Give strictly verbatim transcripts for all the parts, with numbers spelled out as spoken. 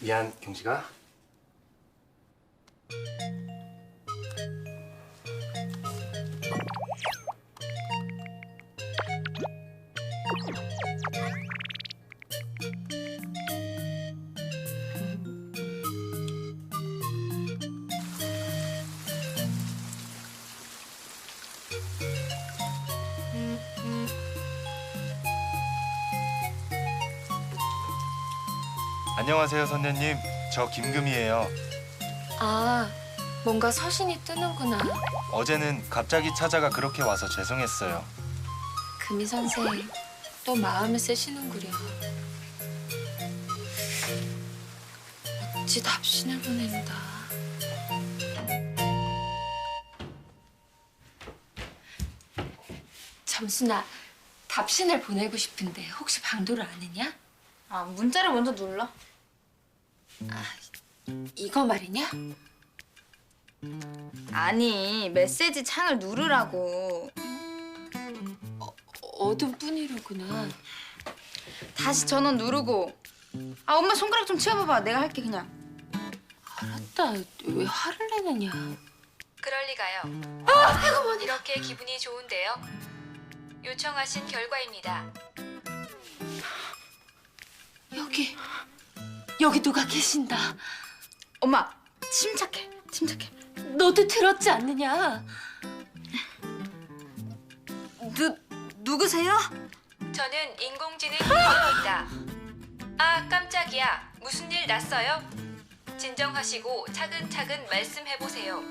미안, 경식아. 안녕하세요, 선녀님. 저 김금이에요. 아, 뭔가 서신이 뜨는구나. 어제는 갑자기 찾아가 그렇게 와서 죄송했어요. 금이 선생, 또 마음을 쓰시는구려. 어찌 답신을 보낸다. 점순아, 답신을 보내고 싶은데 혹시 방도를 아느냐? 아, 문자를 먼저 눌러. 아, 이거 말이냐? 아니, 메시지 창을 누르라고. 어둠 뿐이로구나. 다시 전원 누르고. 아, 엄마 손가락 좀 치워봐봐. 내가 할게, 그냥. 알았다, 왜 화를 내느냐? 그럴 리가요. 아, 이렇게 기분이 좋은데요. 요청하신 결과입니다. 여기, 여기 누가 계신다. 엄마, 침착해. 침착해. 너도 들었지 않느냐? 누, 누구세요? 저는 인공지능 인재입니다. 아, 깜짝이야. 무슨 일 났어요? 진정하시고 차근차근 말씀해보세요.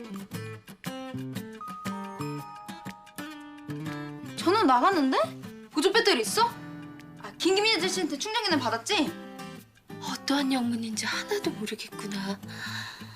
전원 나갔는데? 보조 배터리 있어? 아, 김기민 아저씨한테 충전기는 받았지? 어떠한 영문인지 하나도 모르겠구나.